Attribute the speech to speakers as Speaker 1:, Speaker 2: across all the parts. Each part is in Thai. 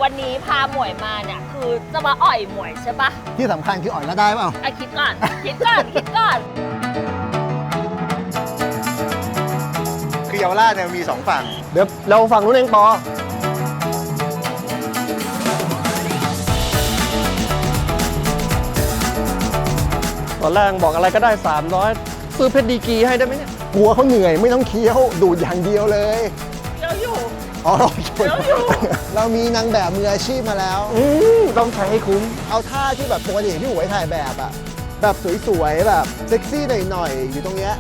Speaker 1: วันนี้พาหมวยมาเนี่ยคือจะมาอ่อยหมวยใช่ปะ
Speaker 2: ที่สำคัญคืออ่อยแล้วได้เปล่า
Speaker 1: คิดก่อน คิดก่อน คิดก่อน
Speaker 2: คือเยาวราชเนี่ยมีสองฝั่ง
Speaker 3: เดี๋ยวเราฝั่งนู้นเองปอตอนแรกบอกอะไรก็ได้300ซื้อเพชรดีกรีให้ได้ไหมเนี่ย
Speaker 2: กลัวเขาเหนื่อยไม่ต้องเคี้ยวดูดอย่างเดียวเลย
Speaker 1: เดี๋ยวอยู่
Speaker 2: อ๋อ
Speaker 1: เดี๋ยวอยู่
Speaker 2: เรามีนางแบบมืออาชีพมาแล้ว
Speaker 3: ต้องใช้ให้คุ้ม
Speaker 2: เอาท่าที่แบบปกติพี่หวยถ่ายแบบอะแบบสวยๆแบบเซ็กซี่หน่อยๆอยู่ตรงเนี้ย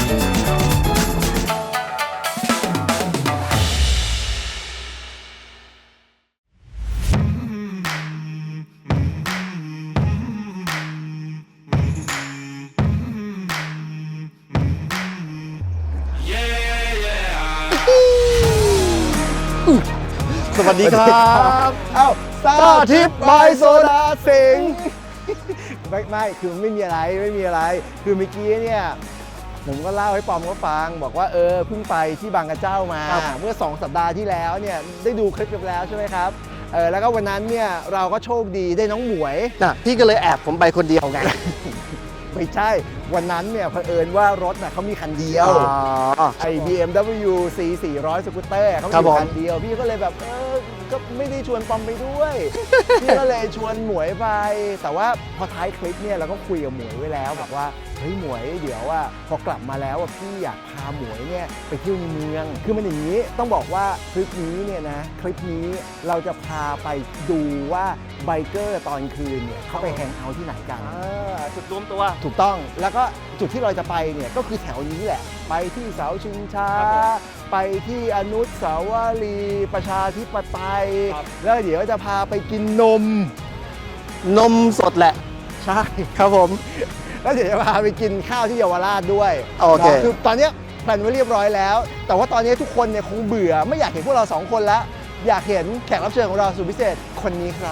Speaker 3: สวัสดีครับ
Speaker 2: เอ้า
Speaker 3: ซ่าทิพย์บายโซดาสิงห์
Speaker 2: ไม่คือไม่มีอะไรคือเมื่อกี้เนี่ยผมก็เล่าให้ปอมเขาฟังบอกว่าเพิ่งไปที่บางกระเจ้ามา เมื่อ2 สัปดาห์ที่แล้วเนี่ยได้ดูคลิปกันแล้วใช่ไหมครับแล้วก็วันนั้นเนี่ยเราก็โชคดีได้น้องหมวย
Speaker 3: น่ะพี่ก็เลยแอบผมไปคนเดียวไง
Speaker 2: ไม่ใช่วันนั้นเนี่ยเผอิญว่ารถน่ะเขามีคันเดียวไอ้ BMW C 400สกูตเตอร์เขา
Speaker 3: ครับ
Speaker 2: มี
Speaker 3: ผม
Speaker 2: คันเดียวพี่ก็เลยแบบก็ไม่ได้ชวนปอมไปด้วย พี่ก็เลยชวนหมวยไป แต่ว่าพอท้ายคลิปเนี่ยเราก็คุยกับหมวยไว้แล้วบอกว่าเฮ้ยหมวยเดี๋ยวว่าพอกลับมาแล้วพี่อยากพาหมวยเนี่ยไปเที่ยวในเมือง คือมันอย่างนี้ต้องบอกว่าคลิปนี้เนี่ยนะคลิปนี้เราจะพาไปดูว่าไบเกอร์ตอนคืนเนี่ยเขาไปแฮงเอาท์ที่ไหนกัน
Speaker 3: จุดรวมตัว
Speaker 2: ถูกต้องแล้วก็จุดที่เราจะไปเนี่ยก็คือแถวนี้แหละ ไปที่เสาชิงช้า ไปที่อนุสาวรีย์ประชาธิปไตย แล้วเดี๋ยวจะพาไปกินนม
Speaker 3: นมสดแหละ
Speaker 2: ใช่
Speaker 3: ครับผม
Speaker 2: แล้วเดี๋ยวจะพาไปกินข้าวที่เยาวราชด้วย
Speaker 3: โอเค
Speaker 2: คือตอนเนี้ยแพลนไว้เรียบร้อยแล้ว แต่ว่าตอนนี้ทุกคนเนี่ยคงเบื่อไม่อยากเห็นพวกเรา2 คนแล้ว อยากเห็นแขกรับเชิญของเราสุดพิเศษคนนี้ครับ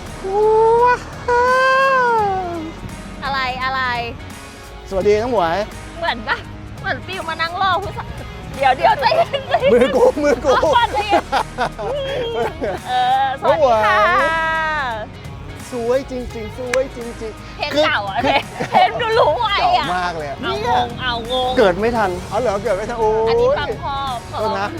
Speaker 1: อะไร
Speaker 2: สวัสดีน้องหมวย
Speaker 1: เหมือนปะเหมือนฟิวมานั่งรอผู้ชายเดี๋ยวใจเย็นใจเย็น
Speaker 2: มือกู
Speaker 1: ก่อนใจเย็นสวัสดีค่ะ
Speaker 2: สวยจริงๆ สวยจริงๆ
Speaker 1: เพลงเก่าอ่ะเพลงดูรู้ไว้
Speaker 2: เก่า
Speaker 1: อ่ะ
Speaker 2: มากเลยอะ
Speaker 1: เอางง
Speaker 3: เกิดไม่ทัน
Speaker 2: เอาเหรอเกิดไม่ทันโอ้ย
Speaker 1: อันนี้ฟังพ่อ
Speaker 2: โทษนะ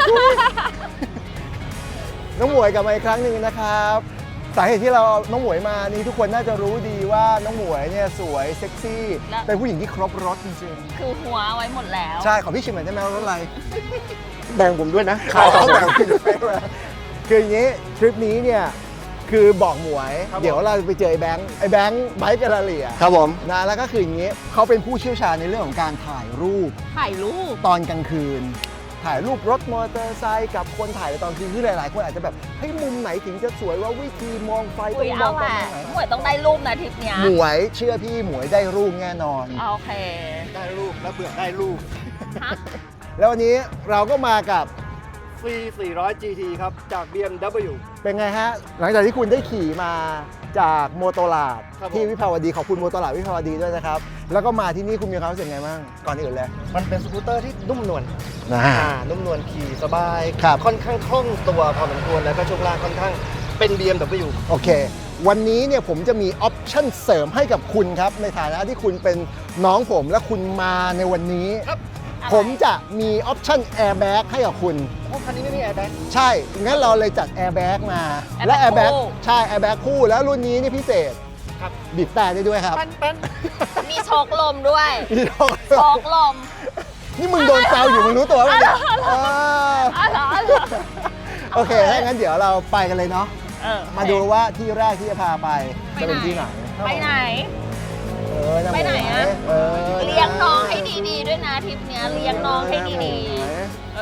Speaker 2: น้องหมวยกลับมาอีกครั้งหนึ่งนะครับสาเหตุที่เราน้องหมวยมานี่ทุกคนน่าจะรู้ดีว่าน้องหมวยเนี่ยสวยเซ็กซี่เป็นผู้หญิงที่ครบรสจริง
Speaker 1: คือหัวไว้หมดแล้ว
Speaker 2: ๆใช่ขอพี่ชิมหน่อยได้ไหมว่ารสอะไร
Speaker 3: แบ่งผมด้วยนะ
Speaker 2: ขายของแบบคืออย่างนี้ทริปนี้เนี่ยคือบอกหมวย
Speaker 3: ครับผม
Speaker 2: เดี๋ยวเราไปเจอไอ้แบงค์ไบค์กาลาเลีย
Speaker 3: ครับผม
Speaker 2: นะแล้วก็คืออย่างนี้เขาเป็นผู้เชี่ยวชาญในเรื่องของการถ่ายรูป
Speaker 1: ถ่ายรูป
Speaker 2: ตอนกลางคืน ถ่ายรูปรถมอเตอร์ไซค์กับคนถ่ายในตอนคืนที่หลายๆ คนอาจจะแบบเฮ้ยมุมไหนถึงจะสวยว่าวิธีมองไฟต้
Speaker 1: อุ้
Speaker 2: อย งม
Speaker 1: เอา
Speaker 2: อง
Speaker 1: แห
Speaker 2: ตร
Speaker 1: ละ
Speaker 2: งไหน
Speaker 1: หมวยต้องได้รูปนะทริปเนี้ย
Speaker 2: หมวยเชื่อพี่หมวยได้รูปแน่นอน
Speaker 1: โอเค
Speaker 3: ได้รูปแล้วเบื่อได้รูป
Speaker 1: ฮะ
Speaker 2: แล้ววันนี้เราก็มากับ
Speaker 3: C 400 GT ครับ จาก BMW
Speaker 2: เป็นไงฮะ หลังจากที่คุณได้ขี่มาจากโมโตลาด
Speaker 3: ครับผม
Speaker 2: ที่วิภาวดีขอบคุณโมโตลาดวิภาวดีด้วยนะครับ แล้วก็มาที่นี่คุณมีความรู้สึกไงบ้างก่อนอื่นเลย
Speaker 3: มันเป็นสกูตเตอร์ที่นุ่มนวล
Speaker 2: นะ
Speaker 3: นุ่มนวลขี่สบาย
Speaker 2: ครับ
Speaker 3: ค่อนข้างคล่องตัวพอสมควรแล้วก็ช่วงล่างค่อนข้างเป็น BMW
Speaker 2: โอเค วันนี้เนี่ยผมจะมีออปชั่นเสริมให้กับคุณครับ ในฐานะที่คุณเป็นน้องผมและคุณมาในวันนี้
Speaker 3: ครับ
Speaker 2: ผมจะมีออปชั่นแอร์แบ็กให้กับคุณ
Speaker 3: โอ้คันนี้ไม่มีแอร์แบ็ก
Speaker 2: ใช่ งั้นเราเลยจัดแอร์แบ็กมา
Speaker 1: Airbag
Speaker 2: และแอร์แบ็ก
Speaker 1: คู่
Speaker 2: ใช่แอร์แบ็กคู่แล้วรุ่นนี้นี่พิเศษ
Speaker 3: ครับ
Speaker 2: บีบแต่ได้ด้วยครับ
Speaker 3: เป็น
Speaker 1: มีโชกลมด้วย
Speaker 2: นี่
Speaker 1: โชกลม
Speaker 2: นี่มึงโดนแซวอยู่มึงรู้ตัวป่ะเนี่ยเออ
Speaker 1: อ๋อเหรอ
Speaker 2: โอเคถ้างั้นเดี๋ยวเราไปกันเลยเนาะ มาดูว่าที่แรกที่จะพาไปจะเป็นที่ไหน
Speaker 1: ไปไหน
Speaker 2: นะ
Speaker 1: ไปไหนอะ
Speaker 2: เออ
Speaker 1: เลี้ยงน้องให้ดีๆด้วยนะทริปเนี้ยเลี้ยงน้องให้ดีๆ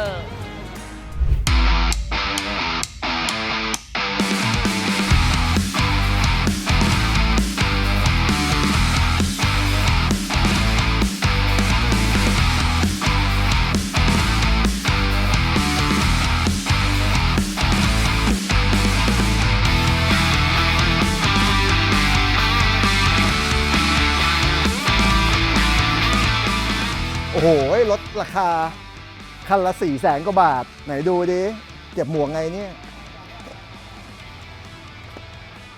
Speaker 2: โอ้โหลดราคาคันละ400,000 กว่าบาท ไหนดูดิเก็บหมวกไงเนี่ย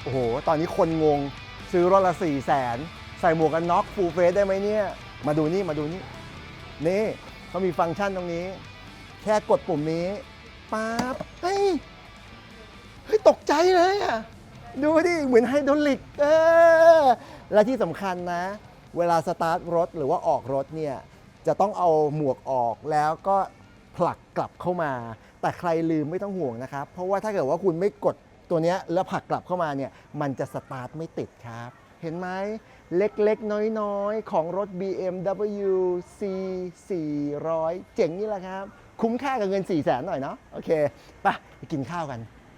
Speaker 2: โอ้โห ตอนนี้คนงงซื้อรถละ400,000ใส่หมวกกันน็อกฟูลเฟสได้ไหมเนี่ย มาดูนี่นี่เขามีฟังก์ชันตรงนี้ แค่กดปุ่มนี้ปั๊บเฮ้ยตกใจเลยอ่ะ ดูดิเหมือนไฮดรอลิกและที่สำคัญนะ เวลาสตาร์ทรถหรือว่าออกรถเนี่ยจะต้องเอาหมวกออกแล้วก็ผลักกลับเข้ามา แต่ใครลืมไม่ต้องห่วงนะครับ เพราะว่าถ้าเกิดว่าคุณไม่กดตัวเนี้ยแล้วผลักกลับเข้ามาเนี่ยมันจะสตาร์ทไม่ติดครับ เห็นไหมเล็กๆ น้อยๆ ของรถ BMW C 400เจ๋งนี่แหละครับ คุ้มค่ากับเงิน 400,000 หน่อยเนาะโอเคไปกินข้าวกัน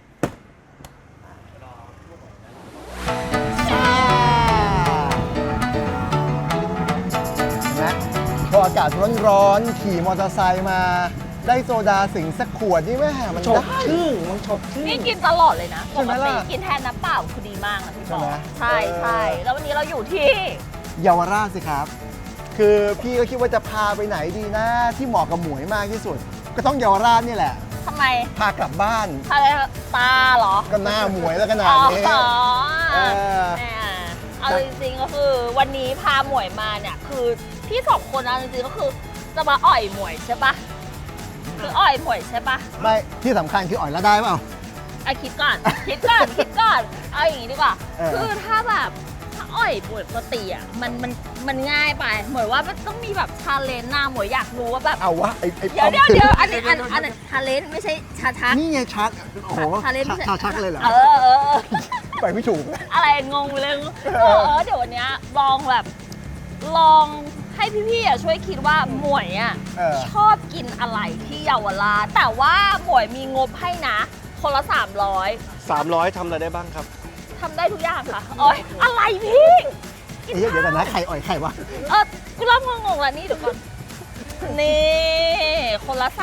Speaker 2: นะพออากาศร้อนๆขี่มอเตอร์ไซค์มาได้โซดาสิงสักขวดนี่แม่มัน
Speaker 3: ฉก
Speaker 2: ได้
Speaker 3: ชื่อมันฉกชื่อ
Speaker 1: นี่กินตลอดเลยนะ
Speaker 2: ใช่
Speaker 1: ป
Speaker 2: ไหม
Speaker 1: ก
Speaker 2: ล่ะ
Speaker 1: ติกินแทนน้ำเปล่าคือดีมากนะพี่บอ
Speaker 2: ใช่ไหม
Speaker 1: ใช่ใช่แล้ววันนี้เราอยู่ที่
Speaker 2: เยาวราชสิครับ คือพี่ก็คิดว่าจะพาไปไหนดีนะ ที่เหมาะกับหมวยมากที่สุด ก็ต้องเยาวราชนี่แหละ
Speaker 1: ทำไม
Speaker 2: พากลับบ้าน
Speaker 1: อะไรตาเหรอ
Speaker 2: ก็หน้าหมวยแล้วขนาดนี้
Speaker 1: อ๋อ
Speaker 2: เออ
Speaker 1: แหมเอาจริงๆก็คือวันนี้พาหมวยมาเนี่ยคือพี่สองคนเอาจริงๆก็คือจะมาอ่อยหมวยใช่ปะคืออ่อยหมวยใช่ปะ
Speaker 2: ไม่ที่สำคัญคืออ่อยแล้วได้เปล่า
Speaker 1: ไอะคิดก่อน คิดก่อนเอาอย่างนี้ดีกว่า
Speaker 2: เออ
Speaker 1: คือถ้าแบบถ้าอ่อยปกติอ่ะมันง่ายไปหมวยว่ามันต้องมีแบบชาเลนจ์นะหมวยอยากรู้ว่าแบบ
Speaker 2: เอาวะไอ้
Speaker 1: เดี๋ยว
Speaker 2: ปอม
Speaker 1: เดี๋ยวอันนี้ชาเลนจ์ไม่ใช่ชาทัก
Speaker 2: นี่ไงชัดโอ้โห
Speaker 1: ชาเลนจ์ไม่ใช่
Speaker 2: ชักเลยเหรอ
Speaker 1: เออ
Speaker 2: ไปไม่ถูก
Speaker 1: อะไรงงไปเลยเดี๋ยววันเนี้ยลองแบบลองให้พี่ๆอ่ะช่วยคิดว่าหมวยอ่ะ
Speaker 2: เออ
Speaker 1: ชอบกินอะไรที่เยาวราชแต่ว่าหมวยมีงบให้นะคนละ300
Speaker 3: 300ทำอะไรได้บ้างครับ
Speaker 1: ทำได้ทุกอย่างค่ะโอ๊ยอะไรพี่กิน
Speaker 2: เดี๋ยวกันนะใครอ่อยใครวะ
Speaker 1: กูเริ่มงงๆแล้วนี่เดี๋ยวก่อนนี่คนละ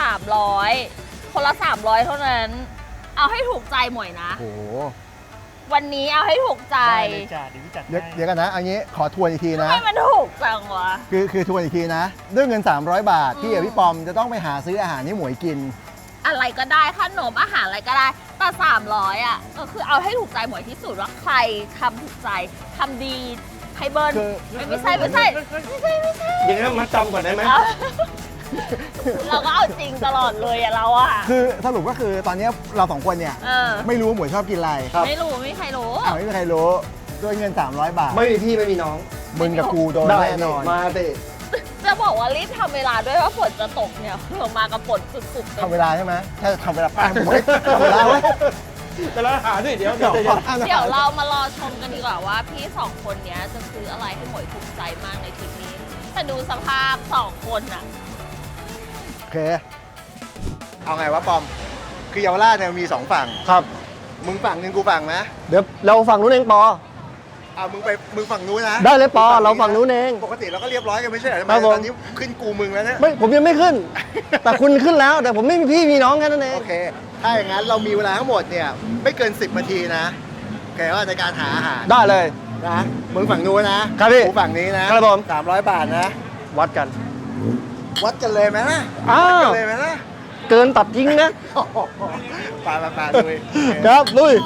Speaker 1: 300คนละ300เท่านั้น เอาให้ถูกใจหมวยนะ
Speaker 2: โอ้โห
Speaker 1: วันนี้เอาให้ถูกใจ
Speaker 3: ได้เลยจ้าเดี๋ยวพี่จัดให้
Speaker 2: เดี๋ยวกันนะเอางี้ขอทวนอีกทีนะ
Speaker 1: ให้มันถูกจังวะ
Speaker 2: คือทวนอีกทีนะ ด้วยเงิน 300 บาท พี่กับพี่ปอมจะต้องไปหาซื้ออาหารให้หมวยกิน
Speaker 1: อะไรก็ได้ขนมอาหารอะไรก็ได้แต่300อ่ะก็คือเอาให้ถูกใจหมวยที่สุดว่าใครทำถูกใจทำดีให้เบิร์น
Speaker 2: คือ
Speaker 1: ไม่ใช่
Speaker 3: อย่างนี้นมาจำก่อนได้ไหม
Speaker 1: เอาเราก็เอาจริงตลอดเลยอะเราอะ
Speaker 2: คือสรุปก็คือตอนนี้เราสองคนเนี่ย
Speaker 1: เออ
Speaker 2: ไม่รู้ว่าหมวยชอบกินอะไร
Speaker 1: ไม่รู้ไม่มีใครรู้
Speaker 2: ไม่มีใครรู้ด้วยเงิน 300 บาท
Speaker 3: ไม่มีพี่ไม่มีน้อง
Speaker 2: มึงกับกูโดน
Speaker 3: ได้
Speaker 2: แน่นอน
Speaker 3: มาสิ
Speaker 1: จะบอกว่ารีบทำเวลาด้วยว่าฝนจะตกเนี่ยเรามากับฝนสุดๆ
Speaker 2: ทำเวลาใช่ไหมแค่ทำเวลาแป๊บหมวยทำเวลาไว้
Speaker 3: แต่ละหาด้วยเดี๋ยว
Speaker 2: เดี๋ยว
Speaker 1: เดี๋ยวเรามารอชมกันดีกว่าว่าพี่สองคนเนี้ยจะซื้ออะไรให้หมวยถูกใจมากในทริปนี้ แต่ดูสภาพสองคนอะ
Speaker 2: โอเค เอาไงวะปอม คือเยาวราชเนี่ยมี2ฝั่ง
Speaker 3: ครับ
Speaker 2: มึงฝั่งหนึงกูฝั่งนะ
Speaker 3: เดี๋ยวเราฝั่งนู้นเองปอ
Speaker 2: มึงฝั่งนู้นนะ
Speaker 3: ได้เลยปอเราฝั่งนู้นเอง
Speaker 2: ปกติเราก็เรียบร้อยกันไม่ใช่เหรอทำไม
Speaker 3: ครับผม
Speaker 2: ตอนนี้ขึ้นกูมึงแล้วเนี่ย
Speaker 3: ไม่ผมยังไม่ขึ้น แต่คุณขึ้นแล้ว แต่ผมไม่มีพี่มีน้องแค่นั้นเอง
Speaker 2: โอเค ถ้าอย่างนั้นเรามีเวลาทั้งหมดเนี่ยไม่เกิน 10 นาทีนะโอเคว่าในการหาอาหาร
Speaker 3: ได้เลย
Speaker 2: นะมึงฝั่งนู้นนะครับ
Speaker 3: พี่
Speaker 2: กูฝั่งนี้นะครับ
Speaker 3: ผม
Speaker 2: 300 บาทนะ
Speaker 3: วัดกัน
Speaker 2: วัดกันเลยไหมนะ
Speaker 3: อ้าว
Speaker 2: วัดกันเลยไหมนะ
Speaker 3: เกินตัดทิ้งนะ
Speaker 2: ไปลุย
Speaker 3: ครับลุย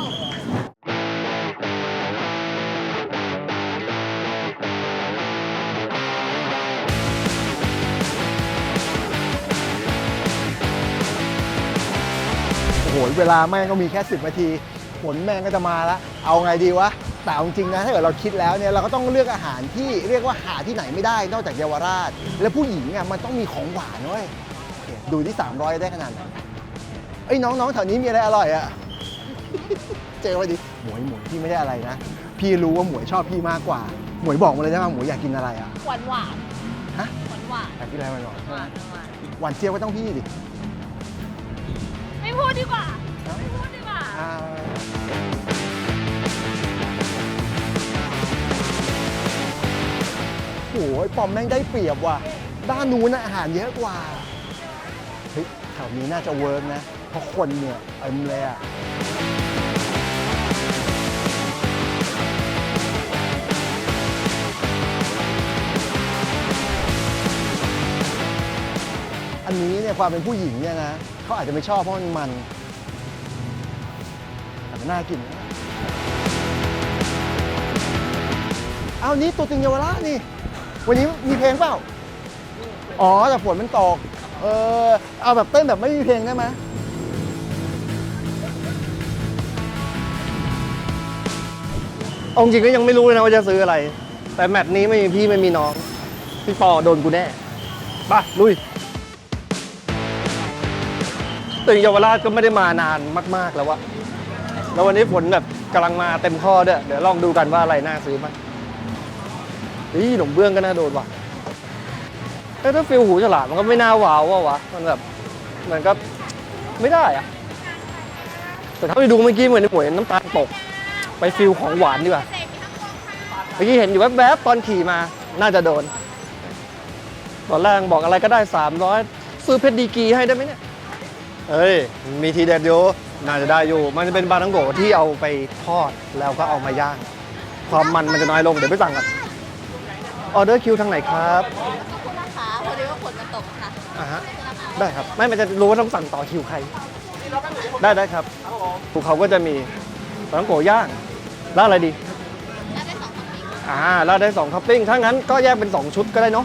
Speaker 2: โอ้โหเวลาแม่งก็มีแค่ 10 นาทีฝนแม่งก็จะมาแล้วเอาไงดีวะแต่เอาจริงๆนะถ้าเกิดเราคิดแล้วเนี่ยเราก็ต้องเลือกอาหารที่เรียกว่าหาที่ไหนไม่ได้นอกจากเยาวราช และผู้หญิงอ่ะมันต้องมีของหวานด้วยโอเคดูที่300ได้ขนาดไหนเอ้ยน้องๆแถวนี้มีอะไรอร่อยอ่ะ เจอไปดิหมวยพี่ไม่ได้อะไรนะพี่รู้ว่าหมวยชอบพี่มากกว่าหมวยบอกมาเลยได้ไหมหมวยอยากกินอะไรอ่ะ
Speaker 1: หวานหวาน
Speaker 2: ฮะ
Speaker 1: หวานหวาน
Speaker 2: อยากกินอะไรมาหน่อย
Speaker 1: หวานหวาน
Speaker 2: หวานเจี๊ยบก็ต้องพี่ดิ
Speaker 1: ไม่พูดดีกว่าไม่พูดดีกว่า
Speaker 2: โอ้ยปอมแม่งได้เปรียบว่ะด้านนู้นนะอาหารเยอะกว่าเฮ้ยแถวนี้น่าจะเวิร์กนะเพราะคนเนี่ยเต็มเลยอ่ะอันนี้เนี่ยความเป็นผู้หญิงเนี่ยนะเขาอาจจะไม่ชอบเพราะมันแต่มันน่ากินนะเอานี่ตัวตึงเยาวราชนี่ วันนี้มีเพลงเปล่า อ๋อแต่ฝนมันตก เอาแบบเต้นแบบไม่มีเพลงได้ไหม
Speaker 3: เอาจริงก็ยังไม่รู้เลยนะว่าจะซื้ออะไร แต่แมตช์นี้ไม่มีพี่ไม่มีน้อง พี่ปอโดนกูแน่ไปลุยตึงเยาวราชก็ไม่ได้มานานมากๆแล้ววะแล้ววันนี้ฝนแบบกำลังมาเต็มข้อด้วยเดี๋ยวลองดูกันว่าอะไรน่าซื้อบ้างนี่หนมเบื้องก็น่าโดนว่ะถ้าฟิลหูฉลามมันก็ไม่น่าว้าววะมันแบบมันก็ไม่ได้อะแต่ถ้าไปดูเมื่อกี้เหมือนในหมวยน้ำตาลตกไปฟิลของหวานดีกว่าเมื่อกี้เห็นอยู่แวบๆตอนขี่มาน่าจะโดนตอนแรกบอกอะไรก็ได้300ซื้อเพชรดีกรีให้ได้ไหมเนี่ยเอ้ยมีทีเด็ดอยู่น่าจะได้อยู่มันจะเป็นปลาทังโกที่เอาไปทอดแล้วก็เอามาย่างความมันจะน้อยลงเดี๋ยวไปสั่งกันออเดอร์คิวทางไหนครับ
Speaker 1: ขอบคุณนะคะพอดีว่าฝนมันตกค่ะ
Speaker 3: อ่าฮะได้ครับไม่มันจะรู้ว่าต้องสั่งต่อคิวใครได้ครับภูเขาก็จะมีปลาทังโกย่างแล้วอะไรดีแล้วได้2ท็อปปิ้งถ้างั้นก็แยกเป็น2ชุดก็ได้เนาะ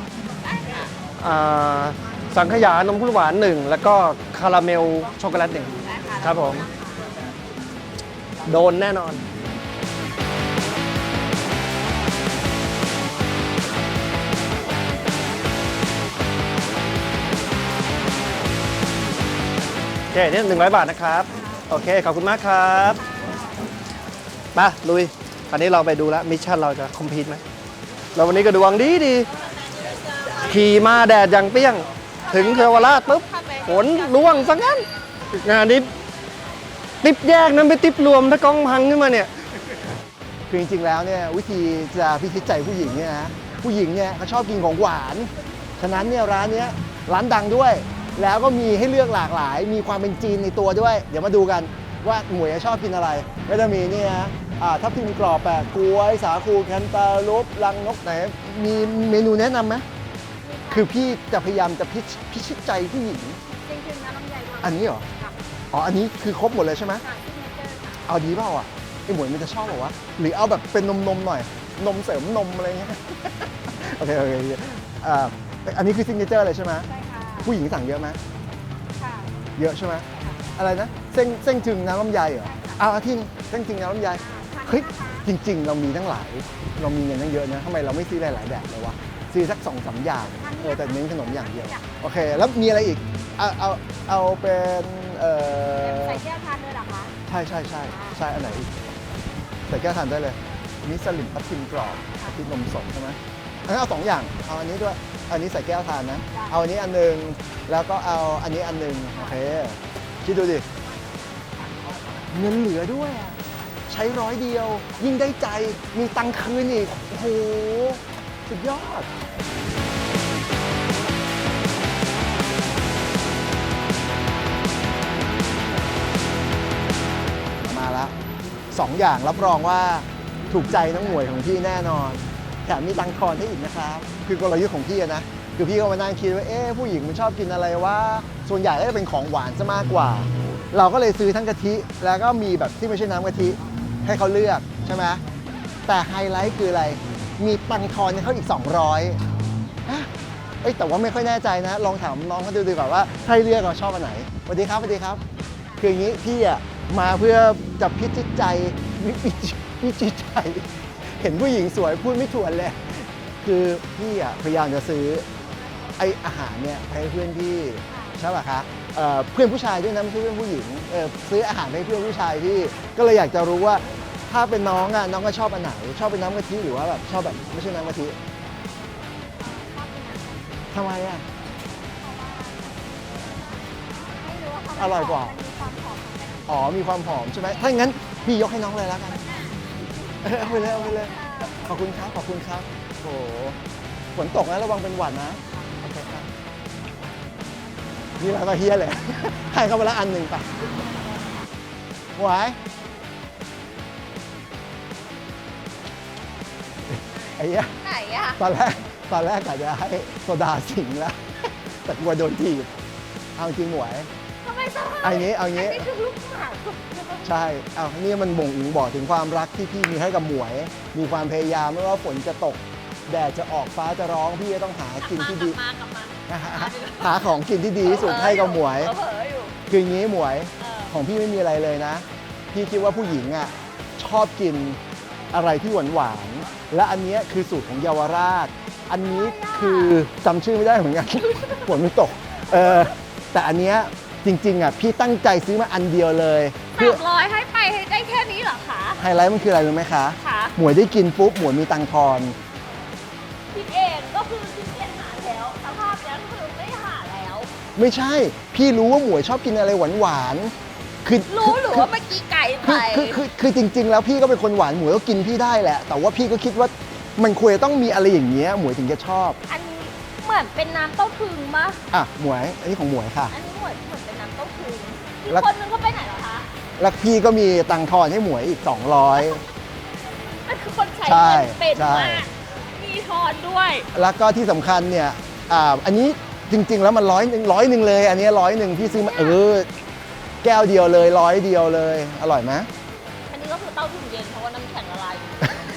Speaker 3: สังขยานมข้นหวาน1แล้วก็คาราเมลช็อกโกแลต1ครับผมโดนแน่นอนโอเคนี่100 บาทนะครับโอเคขอบคุณมากครับมาลุยตอนนี้เราไปดูแล้วมิชชั่นเราจะคอมพลีทไหมเราวันนี้ก็ดวงดีขี่มาแดดอย่างเปรี้ยงถึงเยาวราชปุ๊บฝนร่วงซะงั้นงานนี้ติปแยกนั้นไปติปรวมถ้ากล้องพังขึ้นมาเนี่ย
Speaker 2: คือจริงๆแล้วเนี่ยวิธีจะพิชิตใจผู้หญิงเนี่ยนะผู้หญิงเนี่ยเขาชอบกินของหวานฉะนั้นเนี่ยร้านเนี้ยร้านดังด้วย แล้วก็มีให้เลือกหลากหลาย มีความเป็นจีนในตัวด้วย เดี๋ยวมาดูกันว่าหมวยชอบกินอะไรก็จะมีเนี่ยทับทิมกรอบแปะกล้วยสาคูแคนตาลูปรังนกไหนมีเมนูแนะนำไหมคือพี่จะพยายามจะพิชิตใจผู้หญิงจริงๆนะน้ำใหญ่อันนี้เหรออ๋ออันนี้คือครบหมดเลยใช่ไหมเอาดีเปล่าอ่ะไอหมวยมันจะชอบหรอวะหรือเอาแบบเป็นนมหน่อยนมเสริมนมอะไรเงี้ยโอเคอันนี้คือซิกเนเจอร์เลยใช่ไหมใช่ค่ะผู้หญิงสั่งเยอะไหมค่ะเยอะใช่ไหมอะไรนะเส้นถึงน้ำลำไยเหรอเอาที่เส้นถึงน้ำลำไยเฮ้ยจริงๆเรามีตั้งหลายเรามีเงินตั้งเยอะนะทำไมเราไม่ซื้อหลายๆแบบเลยวะซื้อสัก2-3 อย่างแต่เน้นขนมอย่างเดียวโอเคแล้วมีอะไรอีกเอาเป็น
Speaker 1: ใส่แก้วทานเลยเหรอคะ
Speaker 2: ใช่อันไหนอีกใส่แก้วทานได้เลยนี่สลิมทับทิมกรอบทับทิมนมสดใช่ไหมเอา2 อย่างเอาอันนี้ด้วยอันนี้ใส่แก้วทานนะเอาอันนี้อันนึงแล้วก็เอาอันนี้อันนึงโอเคคิดดูดิเงินเหลือด้วยใช้100 เดียวยิ่งได้ใจมีตังค์คืนอีกโอ้โหสุดยอดมาแล้ว2 อย่างรับรองว่าถูกใจน้องหมวยของพี่แน่นอนแถมมีตังค์ทอนให้อีกนะครับคือกลยุทธ์ของพี่นะคือพี่ก็มานั่งคิดว่าผู้หญิงมันชอบกินอะไรว่าส่วนใหญ่ก็จะเป็นของหวานซะมากกว่าเราก็เลยซื้อทั้งกะทิแล้วก็มีแบบที่ไม่ใช่น้ำกะทิให้เขาเลือกใช่ไหมแต่ไฮไลท์คืออะไรมีตังค์ทอนให้เขาอีก200แต่ว่าไม่ค่อยแน่ใจนะลองถามน้องเขาดูดีกว่าว่าใครเลือกเราชอบอันไหนสวัสดีครับคืออย่างนี้พี่มาเพื่อจะพิจิตใจพิจิตใจเห็นผู้หญิงสวยพูดไม่ถ่วนเลยคือพี่พยายามจะซื้อไออาหารเนี่ยให้เพื่อนพี่ใช่ป่ะคะเพื่อนผู้ชายด้วยนะไม่ใช่เพื่อนผู้หญิงซื้ออาหารให้เพื่อนผู้ชายพี่ก็เลยอยากจะรู้ว่าถ้าเป็นน้องน้องก็ชอบอันไหนชอบเป็นน้ำกะทิหรือว่าแบบชอบแบบไม่ใช่น้ำกะทิทำไมอร่อยกว่าอ๋อมีความหอมใช่ไหมถ้าอย่างนั้นพี่ยกให้น้องเลยแล้วกันเอาไปเลยขอบคุณครับโอ้ฝนตกนะระวังเป็นหวัดนะโอเคครับนี่เราก็เฮียเลยให้เขาไปละอันหนึ่งไปไหวไอ้เหี้ย
Speaker 1: ไหนอะ
Speaker 2: ตอนแรกกะจะให้โซดาสิงแล้วแต่กลัวโดนถีบเอาจริงหวย
Speaker 1: ทำไมต้อง
Speaker 2: เอางี้
Speaker 1: นี่คือลูกหมา
Speaker 2: ใช่อ้าวนี่มันบ่งบอกถึงความรักที่พี่มีให้กับหมวย มีความพยายามไม่ว่าฝนจะตก แดดจะออกฟ้าจะร้องพี่ก็ต้องหากินที่ดี
Speaker 1: กลับมา
Speaker 2: หาของกินที่ดีที่สุดให้กับหมวย
Speaker 1: เผลออยู่
Speaker 2: คืออย่างนี้หมวย
Speaker 1: เออ
Speaker 2: ของพี่ไม่มีอะไรเลยนะ พี่คิดว่าผู้หญิงอ่ะชอบกินอะไรที่หวานๆและอันเนี้ยคือสูตรของเยาวราช อันนี้คือจำชื่อไม่ได้เหมือนกัน ฝนมันตกแต่อันเนี้ยจริงๆอ่ะพี่ตั้งใจซื้อมาอันเดียวเลยเพื่อ
Speaker 1: 300ให้ไปให้ได้แค่นี้เหรอคะ
Speaker 2: ไฮไลท์มันคืออะไรรู้ไหมคะ
Speaker 1: ค่ะ
Speaker 2: หมวยได้กินปุ๊บหมวยมีตังค์ทอน
Speaker 1: คิดเองก็คือคิดเองหาแล้วสภาพนี้คือไม่หาแล้ว
Speaker 2: ไม่ใช่ พี่รู้ว่าหมวยชอบกินอะไรหวานๆคือ
Speaker 1: รู้หรือว่าเมื่อกี้ไก่ไป
Speaker 2: คือจริง ๆ แล้วพี่ก็เป็นคนหวานหมวยก็กินพี่ได้แหละ แต่ว่าพี่ก็คิดว่ามันควรจะต้องมีอะไรอย่างเงี้ยหมวยถึงจะชอบ
Speaker 1: อันนี้เหมือนเป็นน้ำเต้าถึงมะ
Speaker 2: อ่ะหมวย อันนี้ของหมวยค่ะ
Speaker 1: อันนี้เหมือนเป็นน้ำเต้าถึงอีก
Speaker 2: แล้ว
Speaker 1: คนนึงก็ไปไหนเหรอคะ
Speaker 2: แล้วพี่ก็มีตังค์ทอนให้หมวยอีก 200
Speaker 1: มันคือคนใช้
Speaker 2: ใช่
Speaker 1: เงินเป็น
Speaker 2: ใช่
Speaker 1: มากมีทอนด้วย
Speaker 2: แล้วก็ที่สำคัญเนี่ยอันนี้จริง ๆ แล้วมัน100เลย อันนี้100พี่ซื้อมาแก้วเดียวเลย100เดียวเลย อร่อยไหม
Speaker 1: อันนี้ก็คือเต้าถึงเย็นเพราะว่าน้ำแข็งละลายอยู่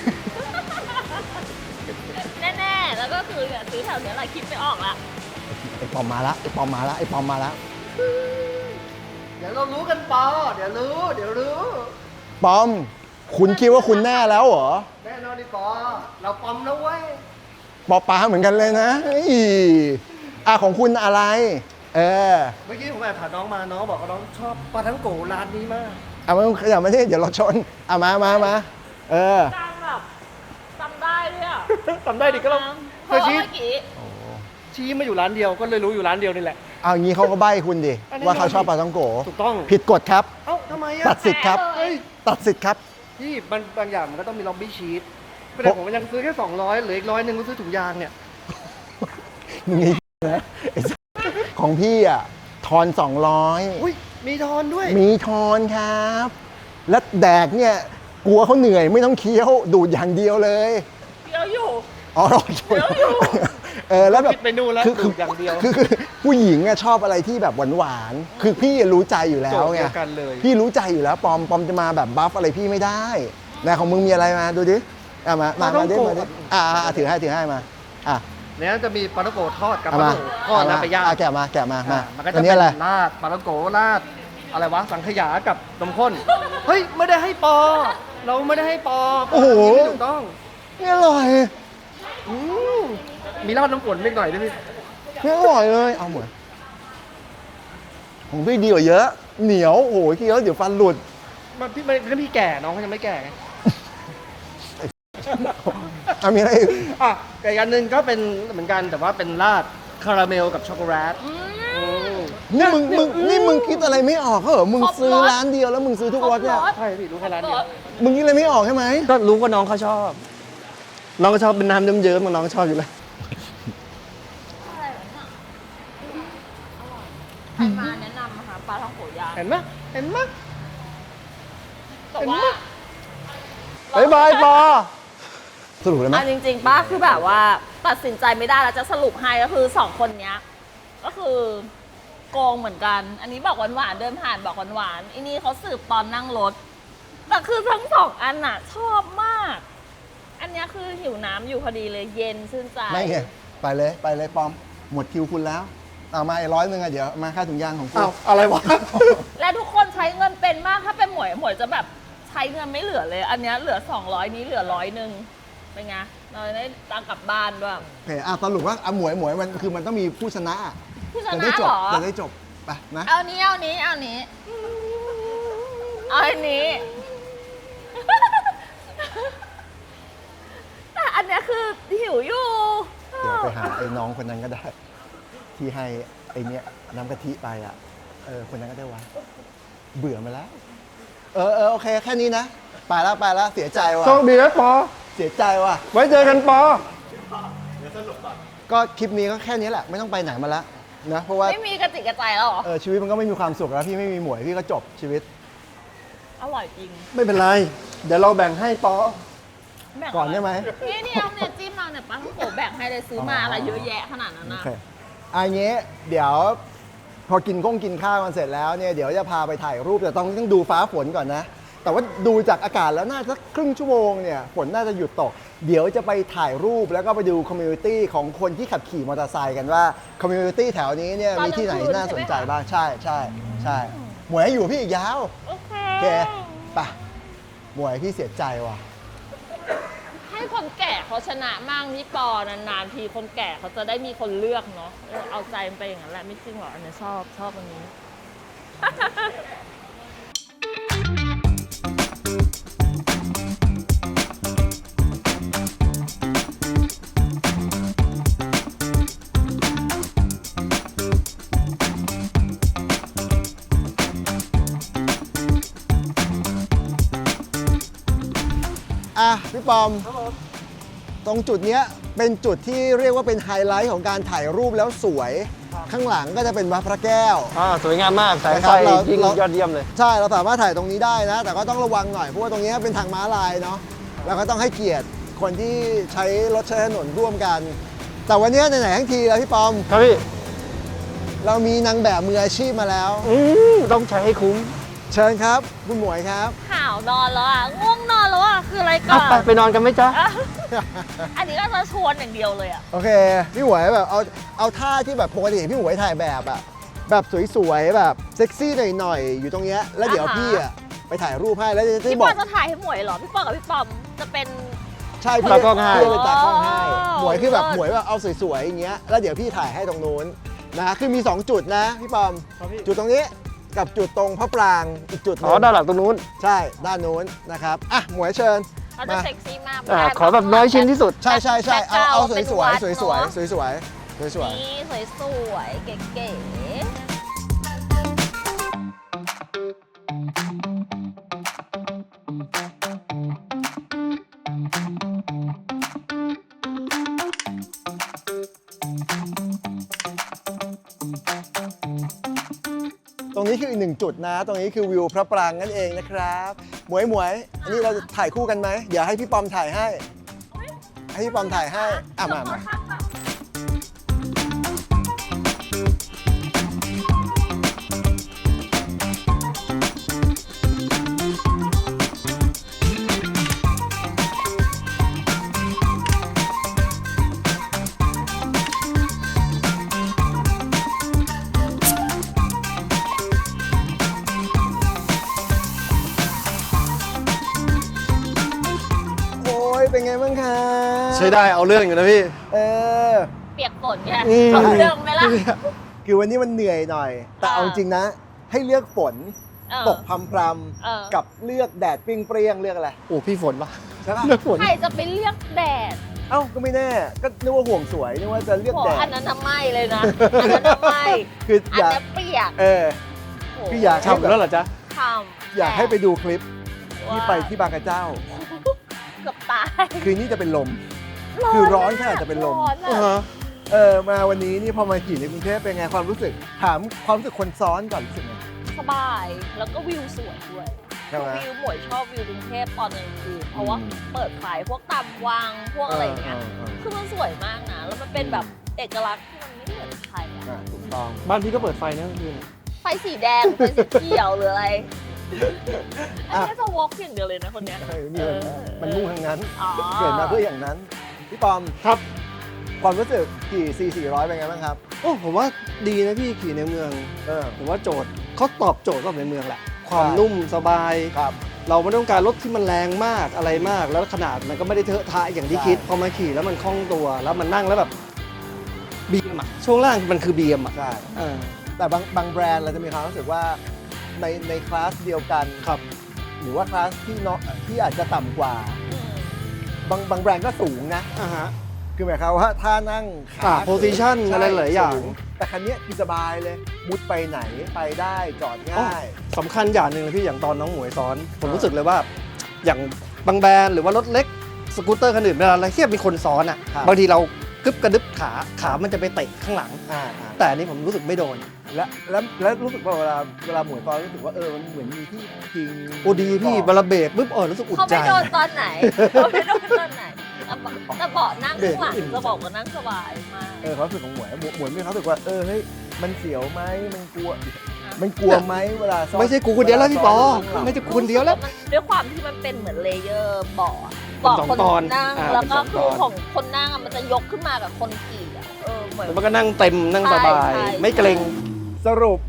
Speaker 1: แน่ๆแล้วก็คือเนี่ยซื้อแถวเนี้ยแหละคิดไม่ออกละ
Speaker 2: ไอ้ปอมมาละไอ้ปอมมาละไอ้ปอมมาละ
Speaker 3: เดี๋ยวเรารู้กันปอเดี๋ยวรู้
Speaker 2: ปอม คุณคิดว่าคุณแน่แล้วเหรอ
Speaker 3: แน่นอนดิปอเราปอมแล้วเว้ย
Speaker 2: ปอปลาเหมือนกันเลยนะเฮ้ยของคุณอะไร
Speaker 3: เมื่อกี้ผมแอบถามน้องมาน้องบอกว่าน้องชอบปลาทั้งโกร้านนี้มาก
Speaker 2: ไม่ต้องขยับมาที่เดี๋ยวเราชนมา
Speaker 1: จางแบบจำได้ด้วยอ่ะ
Speaker 3: จำได้ดิก็เรา
Speaker 1: เพราะว่าเมื่อกี้
Speaker 3: ชี้มาอยู่ร้านเดียวก็เลยรู้อยู่ร้านเดียวนี่แหละ
Speaker 2: เอางี้เขาก็ใบ้คุณดิ
Speaker 3: อันนี้
Speaker 2: ว่าเขาชอบปลาท่องโก
Speaker 3: ถูกต้อง
Speaker 2: ผิดกฎครับ
Speaker 3: เอ้าทำไมอะ
Speaker 2: ตัดสิทธิ์ครับ
Speaker 3: เฮ้ย
Speaker 2: ตัดสิทธิ์ครับ
Speaker 3: พี่มันบางอย่างมันก็ต้องมีล็อบบี้ชีตไม่ได้ผมยังซื้อแค่200เหลืออีก100นึงก็ซื้อถุงยางเนี่ย
Speaker 2: มึงไอ้นะไอ้สัสของพี่อ่ะทอน
Speaker 3: อุ้ยมีทอนด้วย
Speaker 2: 200 มีทอนครับ แล้วแดกเนี่ยกลัวเขาเหนื่อยไม่ต้องเคี้ยวดูดอย่างเดียวเลย
Speaker 1: เดี๋ยวอยู่
Speaker 2: อ๋อรอชน
Speaker 1: เดี๋ยวอยู่
Speaker 2: แล้วแบบ
Speaker 3: คิดไปนู่นแล้วดูดอย่างเดียว
Speaker 2: คือผู้หญิงอะชอบอะไรที่แบบหวานๆคือพี่รู้ใจอยู่แล้ว
Speaker 3: โจทย์
Speaker 2: ไง
Speaker 3: เดียวกันเลย
Speaker 2: พี่รู้ใจอยู่แล้วปอมจะมาแบบบัฟอะไรพี่ไม่ได้นะของมึงมีอะไรมาดูดิมาดิถือให้มา
Speaker 3: เนี่ยจะมีปลาท่องโกทอดกับ
Speaker 2: เอา
Speaker 3: ปลา
Speaker 2: มา
Speaker 3: ท่องโกทอดแล้วไปย่าง
Speaker 2: แกะมา
Speaker 3: มันก็
Speaker 2: อั
Speaker 3: จะ
Speaker 2: น
Speaker 3: เป็
Speaker 2: นี้
Speaker 3: น
Speaker 2: อะไร
Speaker 3: ราดปลาท่องโกราดอะไรวะสังขยากับนมข้น เฮ้ยไม่ได้ให้ปอ เราไม่ได้ให้ปอ
Speaker 2: โอ้โห
Speaker 3: ไม่ถูกต้อง
Speaker 2: นี่อร่อย
Speaker 3: อืมมีราดน้ำฝนนิดหน่อยด้วยพี่
Speaker 2: นี่อร่อยเลยเอาเหมือนของพี่ดีกว่าเยอะ เหนียวโอ้โหเคี้ยวเดี๋ยวฟันหลุด
Speaker 3: มันพี่แก่น้องเขายังไม่แก่ไง
Speaker 2: มีอะไรอีก
Speaker 3: อ่ะแต่อีกอันหนึงก็เป็นเหมือนกันแต่ว่าเป็นราดคาราเมลกับช็อกโกแลต
Speaker 2: นี่มึงคิดอะไรไม่ออกเหรอมึงซื้อร้านเดียวแล้วมึงซื้อทุกรสเนี่ย
Speaker 3: ใช่พี่รู้แค่ร้านเดียว
Speaker 2: มึงคิดอะไรไม่ออกใช่ไหม
Speaker 3: ก็รู้ว่าน้องเขาชอบ น้องก็ชอบเป็นน้ำเยิ้มๆน้องก็ชอบอยู่แล้ว
Speaker 1: อะไรวะเนี่ยอร่อยใครมาแนะนำนะคะปลาท่องโกย่าง
Speaker 3: เห็นไหมเห็นไหม
Speaker 1: แต่ว่า
Speaker 2: บ๊ายบายปอสรุปเลยไหม
Speaker 1: จริงๆป้าคือแบบว่าตัดสินใจไม่ได้แล้วจะสรุปให้ก็คือสองคนเนี้ย ก็คือโกงเหมือนกัน อันนี้บอกหวานๆเดินผ่านบอกหวานๆอันนี้เขาสืบตอนนั่งรถแต่คือทั้งสองอันน่ะ ชอบมาก อันเนี้ยคือหิวน้ำอยู่พอดีเลยเย็นชื่นใจ
Speaker 2: ไม่ไงไปเลยปอม หมดคิวคุณแล้วเอามาอีก100เดี๋ยวมาค่าถุงยางของคุณ
Speaker 3: อ้าวอะไรวะ
Speaker 1: และทุกคนใช้เงินเป็นมากถ้าเป็นหมวยจะแบบใช้เงินไม่เหลือเลย อันเนี้ยเหลือ200นี้เหลือ100นึงเป็นไงเราได้ตังค์กลับบ้านด้วย
Speaker 2: โอเคสรุปว่าหมวยมันคือมันต้องมีผู้ชนะ
Speaker 1: ผู้ช
Speaker 2: จะ
Speaker 1: นะ
Speaker 2: ได้จ
Speaker 1: เห
Speaker 2: บ
Speaker 1: รอ
Speaker 2: จะได้จบไปนะ
Speaker 1: เอานี้เอานี้เอานี้เอาอันนี้ แต่อันเนี้ยคือหิวอยู่
Speaker 2: เดี๋ยวไปหาไอ้น้องคนนั้นก็ได้ ที่ให้ไอ้เนี้ยน้ำกะทิไปคนนั้นก็ได้วะเบื่อมาแล้วโอเคแค่นี้นะไปแล้วเสียใจว่ะ
Speaker 3: โชคดีนะปอ
Speaker 2: เสียใจว่ะ
Speaker 3: ไว้เจอกันปอ
Speaker 2: ก็คลิปนี้ก็แค่นี้แหละไม่ต้องไปไหนมาละนะเพราะว่า
Speaker 1: ไม่มีกระติกกระใจแล้วเหรอ
Speaker 2: ชีวิตมันก็ไม่มีความสุขแล้วพี่ไม่มีหมวยพี่ก็จบชีวิต
Speaker 1: อร่อยจริง
Speaker 3: ไม่เป็นไร เดี๋ยวเราแบ่งให้ปอ
Speaker 1: แบ่ง
Speaker 2: ก่อนได้ไหม
Speaker 1: นี่เอาเนี่ยจิ้มเอาเนี่ยป้าต้องโกแบ่งให้เลยซื้อมาอะไรเยอะแยะขนาดนั้น
Speaker 2: โอ
Speaker 1: นะ
Speaker 2: เคอันนี้เดี๋ยวพอกินข้าวกันเสร็จแล้วเนี่ยเดี๋ยวจะพาไปถ่ายรูปแต่ต้องดูฟ้าฝนก่อนนะ แต่ว่าดูจากอากาศแล้วน่าจะครึ่งชั่วโมงเนี่ยฝนน่าจะหยุดตก เดี๋ยวจะไปถ่ายรูปแล้วก็ไปดูคอมมูนิตี้ของคนที่ขับขี่มอเตอร์ไซค์กันว่าคอมมูนิตี้แถวนี้เนี่ยมีที่ไหนน่าสนใจบ้างใช่หมวยอยู่พี่อีกยาว
Speaker 1: โอเค
Speaker 2: โอเคไปหมวยพี่เสียใจว่ะ
Speaker 1: ให้คนแก่เขาชนะมั่งพี่ปอนานๆทีคนแก่เขาจะได้มีคนเลือกเนาะเอาใจมันไปอย่างนั้นแหละไม่จริงหรอกอันนี้ชอบอันนี้
Speaker 2: อ่ะพี่ปอมตรงจุดเนี้ยเป็นจุดที่เรียกว่าเป็นไฮไลท์ของการถ่ายรูปแล้วสวย ข้างหลังก็จะเป็นวัดพระแก้ว
Speaker 3: สวยงามมากแสงไฟยิ่งยอดเยี่ยมเลย
Speaker 2: ใช่เราสามารถถ่ายตรงนี้ได้นะ แต่ก็ต้องระวังหน่อยเพราะว่าตรงนี้เป็นทางม้าลายเนาะแล้วก็ต้องให้เกียรติคนที่ใช้รถใช้ถนนร่วมกัน แต่วันนี้ไหนๆทั้งทีแล้วพี่ปอม
Speaker 3: ครับพี่
Speaker 2: เรามีนางแบบมืออาชีพมาแล้ว
Speaker 3: ต้องใช้ให้คุ้ม
Speaker 2: เชิญครับคุณหมวยครับ
Speaker 1: ข่าวนอนแล้วอ่ะง่วงนอนแล้วอ่ะคืออะไรก่อน
Speaker 3: ไปนอนกันไหมจ๊ะ
Speaker 1: อ่ะอันนี้ก็จะชวนอย่างเดียวเลยอ่ะ
Speaker 2: โอเคพี่หมวยแบบเอาท่าที่แบบปกติพี่หมวยถ่ายแบบอะแบบสวยๆแบบเซ็กซี่หน่อยๆอยู่ตรงเนี้ยแล้วเดี๋ยวพี่อะไปถ่ายรูปให้แล้วจะ
Speaker 1: พี่
Speaker 2: บ
Speaker 1: ป
Speaker 2: อ
Speaker 1: อก จะถ่ายให้หมวยเหรอพี่ปอกับพี่ปอมจะเป็น
Speaker 2: ใช่พี่
Speaker 3: ตากล้องให้
Speaker 2: พี่เป็นตากล้องให้
Speaker 1: อ๋อ
Speaker 2: หมวยคือแบบ
Speaker 1: เลิศ
Speaker 2: หมวยแบบเอาสวยๆอย่างเงี้ยแล้วเดี๋ยวพี่ถ่ายให้ตรงนู้นนะคือมี 2 จุดนะพี่ปอม จุดตรงนี้กับจุดตรงพระปรางอีกจุดหนึ
Speaker 3: อ๋อด้านหลังตรงนู้น
Speaker 2: ใช่ด้านนู้นนะครับอ่ะหมวยเชิญ
Speaker 1: เขาจะเซ็กซี่มาก
Speaker 3: ขอแบบน้อยชิ้นที่สุด
Speaker 2: ใช่เอาสวยๆสวยๆ
Speaker 1: เป็น
Speaker 2: ส
Speaker 1: วั
Speaker 2: วย
Speaker 1: ด
Speaker 2: ๆสวยๆสวย
Speaker 1: นี่สวยๆเก๋
Speaker 2: ๆตรงนี้คืออีกหนึ่งจุดนะ ตรงนี้คือวิวพระปรางนั่นเองนะครับหมวยอันนี้เราจะถ่ายคู่กันไหมเดี๋ยวให้พี่ปอมถ่ายให้พี่ปอมถ่ายให้อ่ะมาโอ้ยเป็นไงบ้างคะ
Speaker 3: ใช้ได้เอาเรื่องอยู่นะพี่
Speaker 2: เออ
Speaker 1: เปียกฝนไง
Speaker 3: อืม
Speaker 1: เอาเรื่องไหมล่ะ
Speaker 2: คือวันนี้มันเหนื่อยหน่อย แต่เอาจริงนะ ให้เลือกฝน
Speaker 1: เออ
Speaker 2: ตกพรำ
Speaker 1: เออ
Speaker 2: ๆกับเลือกแดดเปรี้ยงๆเลือกอะไร
Speaker 3: โอ้พี่ฝนปะ
Speaker 2: ใช่ปะ
Speaker 3: เลือกฝน
Speaker 1: ใครจะไปเลือกแดด
Speaker 2: เอ้าก็ไม่แน่ ก็นึกว่าห่วงสวยนึกว่าจะเลือก
Speaker 1: โห
Speaker 2: แดด
Speaker 1: อันนั้นน่ะไม่เลยนะ อันนั้นน่ะไม่
Speaker 2: คือ
Speaker 1: อั
Speaker 2: อน ยาก
Speaker 1: นั้นเปียก
Speaker 2: เออ
Speaker 1: โห
Speaker 2: คืออยาก
Speaker 3: ฉ่ำแล้วเหรอจ๊ะ
Speaker 1: ทำ
Speaker 2: อยากให้ไปดูคลิป
Speaker 1: ว่า
Speaker 2: ที่ไปที่บางกระเจ้า
Speaker 1: เกือบตาย
Speaker 2: คืนนี้จะเป็นลม คือร้อนขนาดจะเป็นลม
Speaker 1: ร้อนอะ
Speaker 2: มาวันนี้นี่พอมาขี่ในกรุงเทพเป็นไงความรู้สึก ถามความรู้สึกคนซ้อนก่อนรู้สึกไง
Speaker 1: สบาย แล้วก็วิวสวยด้วย
Speaker 2: ใช่ไหม
Speaker 1: วิวหมวยชอบวิวกรุงเทพตอนกลางคืนเพราะว่าเปิดไฟพวกตามวังพวกอะไรอย่างเงี้ย คือมันสวยมากนะ แล้วมันเป็นแบบเอกลักษณ์ที่มันไม่เหมือนใครอะ
Speaker 2: ถูกต้อง
Speaker 3: บ้านพี่ก็เปิดไฟนะคืน
Speaker 1: ไฟสีแดง ไฟสีเขียวหรืออะไร อันนี้จะวอล์กอย่างเดียวเลยนะคนเนี้ย
Speaker 2: นี่มันมุ่งทางนั้น
Speaker 1: อ๋อ
Speaker 2: เกิดมาเพื่ออย่างนั้น พี่ปอม
Speaker 3: ครับ
Speaker 2: ความรู้สึกขี่400เป็นไงบ้างครับ
Speaker 3: โอ้ผมว่าดีนะพี่ขี่ในเมือง ผมว่าโจทย์เขาตอบโจทย์กับในเมืองแหละ ความนุ่มสบาย
Speaker 2: ครับ
Speaker 3: เราไม่ต้องการรถที่มันแรงมากอะไรมาก แล้วขนาดมันก็ไม่ได้เทอะทะอย่างที่
Speaker 2: ใช่
Speaker 3: คิด พอมาขี่แล้วมันคล่องตัว แล้วมันนั่งแล้วแบบบีมอะช่วงล่างมันคือบีมอะ
Speaker 2: ใช่
Speaker 3: เออ
Speaker 2: แต่บางแบรนด์เราจะมีความรู้สึกว่าในคลาสเดียวกัน
Speaker 3: ครับ
Speaker 2: หรือว่าคลาสที่อาจจะต่ำกว่า
Speaker 1: อืม
Speaker 2: บางแบรนด์ก็สูงนะ
Speaker 3: อ่าฮะ
Speaker 2: คือหมายความว่าถ้านั่งขา
Speaker 3: position
Speaker 2: ใช่
Speaker 3: อะไรหลายอย่าง
Speaker 2: สูแต่คันเนี้ยคือสบายเลย มุดไปไหนไปได้จอดง่าย
Speaker 3: สำคัญอย่างหนึ่งเลยพี่อย่างตอนน้องหมวยซ้อน ผมรู้สึกเลยว่า อย่างบางแบรนด์หรือว่ารถเล็กสกูตเตอร์คันอื่นเวลาอะไรที่มีคนซ้อนอ่ะ
Speaker 2: ครับ
Speaker 3: บางทีเรากึบกระดึบขามันจะไปเตะข้างหลัง
Speaker 2: อ่า
Speaker 3: แต่อันนี้ผมรู้สึกไม่โดน
Speaker 2: แล้วรู้สึกว่าเวลาหมวยตอนรู้สึกว่ามันเหมือนมีที่พิง
Speaker 3: โอ้ดีพี่เวลาเบรกปุ๊บรู้สึกอุ่น
Speaker 1: เขา
Speaker 3: ใจ
Speaker 1: ไม่โดนตอนไหนเขาไม่โดนตอนไหนแต่เบาะนั่งข้างหลังจะบอกว่านั่งสบายมาก
Speaker 2: ความรู้สึกของหมวยมีความรู้สึกว่าเฮ้ยมันเสียวไหมมันกลัวไหมเวลาซ่อน
Speaker 3: ไม่ใช่กูคนเดียวแล้วพี่ปอ
Speaker 2: เวลาซ่นข้างหลัง
Speaker 3: ไม่ใช่กูคนเดียวแล้ว
Speaker 1: ด้วยความที่มันเป็นเหมือนเลเยอร์เบาะ
Speaker 3: สอง
Speaker 1: คน
Speaker 3: ตอน
Speaker 1: นั่ง
Speaker 3: อ่า
Speaker 1: แล้วก็
Speaker 3: เป็นสอง
Speaker 1: คือ
Speaker 3: ตอน
Speaker 1: ของคนนั่งอะมันจะยกขึ้นมากับคนขี่อะเหมือน
Speaker 3: แล้วมันก็นั่งเต็มนั่งสบาย
Speaker 1: ใช่
Speaker 3: ไม่เกรง
Speaker 2: สรุป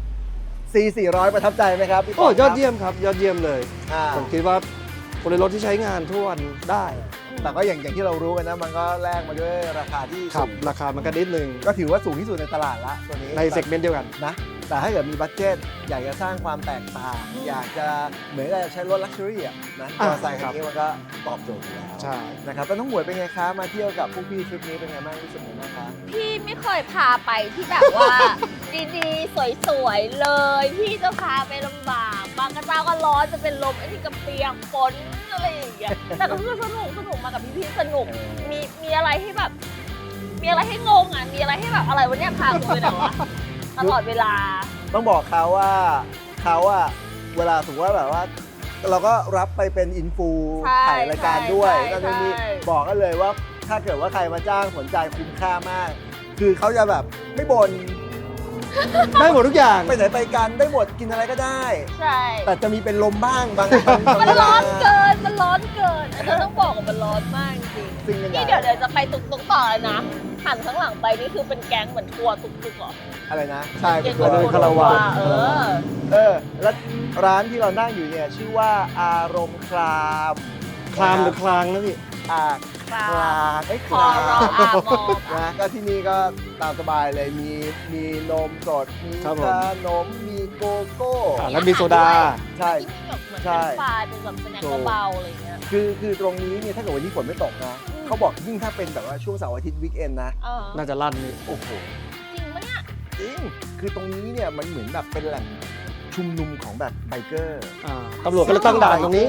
Speaker 2: C400 ประทับใจไหมครับพี่ป
Speaker 3: โอ้
Speaker 2: ครับ
Speaker 3: ยอดเยี่ยมครับ ยอดเยี่ยมเลย
Speaker 2: อ่า
Speaker 3: ผมคิดว่าคนในรถที่ใช้งานทุกวันได้
Speaker 2: แต่ก็อย่างที่เรารู้กันนะ มันก็แลกมาด้วยราคาที่
Speaker 3: ครับ
Speaker 2: สูง
Speaker 3: ราคามันก็นิดนึง
Speaker 2: ก็ถือว่าสูงที่สุดในตลาดละตัวนี้
Speaker 3: ในเซกเมนต์เดียวกัน
Speaker 2: นะ แต่ถ้าเกิดมีบัดเจ็ตอยากจะสร้างความแตกต่าง อยากจะเหมือนกับใช้รถลักชัวรี่อ่ะนะมอ
Speaker 3: อ่า
Speaker 2: เตอร์ไซค์คันนี้มันก็ตอบโจทย์อยู่แล้ว
Speaker 3: ใช่
Speaker 2: นะครับแล้วน้องหมวยเป็นไงคะมาเที่ยวกับพวกพี่ทริปนี้เป็นไงบ้างรู้สึกยังไงบ้างคะ
Speaker 1: พี่ไม่เคยพาไปที่แบบว่า ดีๆ สวยๆ เลย พี่จะพาไปลำบากบางกระเจ้าก็ร้อนจะเป็นลมไอ้นี่ก็เปียกฝนอะไรอย่างเงี้ยแต่ก็คือสนุกมากับพี่ๆสนุกมีอะไรให้แบบ มีอะไรให้งงอ่ะมีอะไรให้แบบอะไรวะเนี่ยพากูไปไหนวะตลอดเวลา
Speaker 2: ต้องบอกเขาว่าเขาอะเวลาสมมติว่าแบบว่า เราก็รับไปเป็นอินฟู
Speaker 1: ใช่
Speaker 2: ถ่ายรายการด้วย
Speaker 1: ใช่
Speaker 2: ก็จะมี
Speaker 1: ใช่
Speaker 2: บอกกันเลยว่าถ้าเกิดว่าใครมาจ้างสนใจคุ้มค่ามาก คือเขาจะแบบไม่บ่น
Speaker 3: ได้หมดทุกอย่าง
Speaker 2: ไปไหนไปกันได้หมดกินอะไรก็ได้
Speaker 1: ใช่
Speaker 2: แต่จะมีเป็นลมบ้างบางบาง
Speaker 1: มัน
Speaker 2: เวลา
Speaker 1: ร้อนเกินมันร้อนเกินอันนี้ต้องบอกว่ามันร้อนมากจริง
Speaker 2: ซึ่งกันใหญ่
Speaker 1: นี่เดี๋ยวจะไปตุกๆต่อเลยนะหันข้างหลังไปนี่คือเป็นแก๊งเหมือนทัวร์ตุกๆเหรอ
Speaker 2: อะไรนะ ใช่เป็น
Speaker 1: เย็น
Speaker 2: ตัว
Speaker 1: กว่า
Speaker 3: คาราวาน
Speaker 2: แล้วร้านที่เรานั่งอยู่เนี่ยชื่อว่าอารมณ์คราม
Speaker 3: คลามหรือคลางนะพี่
Speaker 2: อ่า
Speaker 1: คลาม
Speaker 2: คลางไอ้ย
Speaker 1: ค
Speaker 2: ค
Speaker 1: อ
Speaker 2: ลาง
Speaker 1: รออามอ
Speaker 2: นะก็ที่นี่ก็ตามสบายเลยมีนมสดมี
Speaker 3: ครับผม
Speaker 2: ขนมมีโกโก้
Speaker 3: แล้วมีโซดา
Speaker 2: ใช่
Speaker 1: ที่นี่แบบเหมือน
Speaker 2: ใช่
Speaker 1: เป็นปลาเป็นแบบสแน็คเบาๆอะไรอย่างเงี้ย
Speaker 2: คือตรงนี้เนี่ยถ้าเกิดวันนี้ฝนไม่ตกนะเขาบอกยิ่งถ้าเป็นแบบว่าช่วงเสาร์อาทิตย์วีคเอนนะ
Speaker 1: เออ
Speaker 3: น่าจะลั่นนี่
Speaker 2: โอ้โห
Speaker 1: จริงปะเนี่ย
Speaker 2: จริงคือตรงนี้เนี่ยมันเหมือนแบบเป็นแหล่งชุมนุมของแบบไบเกอร์
Speaker 3: ตำรวจก็เลยตั้งด่านตรงนี้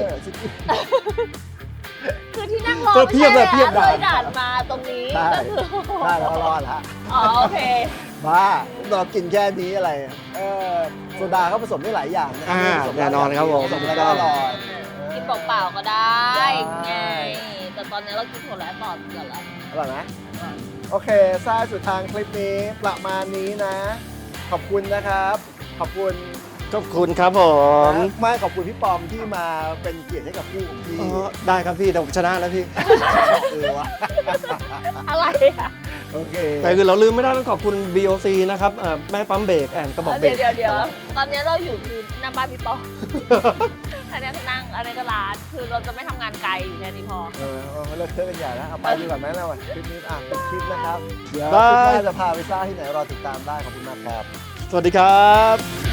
Speaker 1: คือที่นั่งรอ
Speaker 3: เพียบเลย
Speaker 1: ไม่
Speaker 3: เพียบ
Speaker 1: ใช่
Speaker 3: ด่าน
Speaker 1: เลยด่านมาตรงนี้
Speaker 2: ใช่
Speaker 1: ก็คือ
Speaker 2: ได้แล้วก็รอดละ
Speaker 1: อ๋อโอเค
Speaker 2: บ้าเรากินแค่นี้อะไรโซดาเขาผสมได้หลายอย่างนะ
Speaker 3: อ่า
Speaker 2: ผสม
Speaker 3: แน่นอนครับผม
Speaker 2: ผสมแล้วก็อร่อย
Speaker 1: กินเปล่าๆก็ได้
Speaker 2: ได้
Speaker 1: ไงแต่ตอนนี้เรากินผลแล้วต่อเกิดแล้ว
Speaker 2: อร่อยไหมโอเคซ่าสุดทางคลิปนี้ประมาณนี้นะ ขอบคุณนะครับ ขอบคุณ
Speaker 3: ขอบคุณครับผม
Speaker 2: นะไม่ขอบคุณพี่ปอมที่มาเป็นเกียรติให้กับคู่ของพี่
Speaker 3: ได้ครับพี่แต่ผมชนะแล้วพี่
Speaker 2: วะ
Speaker 1: อะไรอะ
Speaker 2: โอเค
Speaker 3: แต่คือเราลืมไม่ได้ต้องขอบคุณ BOC นะครับแม่ปั๊มเบรกแอนกระบอกเบร
Speaker 1: เดี๋
Speaker 3: ก
Speaker 1: ยวตอนนี้เราอยู่คือหน้าบ้านพี่ปออันนี้ก็นั่งอันนี้ก็ร้านคือเราจะไม่ทำงานไกลอยู่แค่นี้พอ
Speaker 2: เลิกเทอะกันใหญ่แล้วเอาไปดีกว่าไหมเราคลิปนี้เป็นคลิปนะครับ เดี๋ยว
Speaker 3: ได้
Speaker 2: คลิปหน้าจะพาไปซ่าที่ไหนรอติดตามได้ขอบคุณมากครับ
Speaker 3: สวัสดีครับ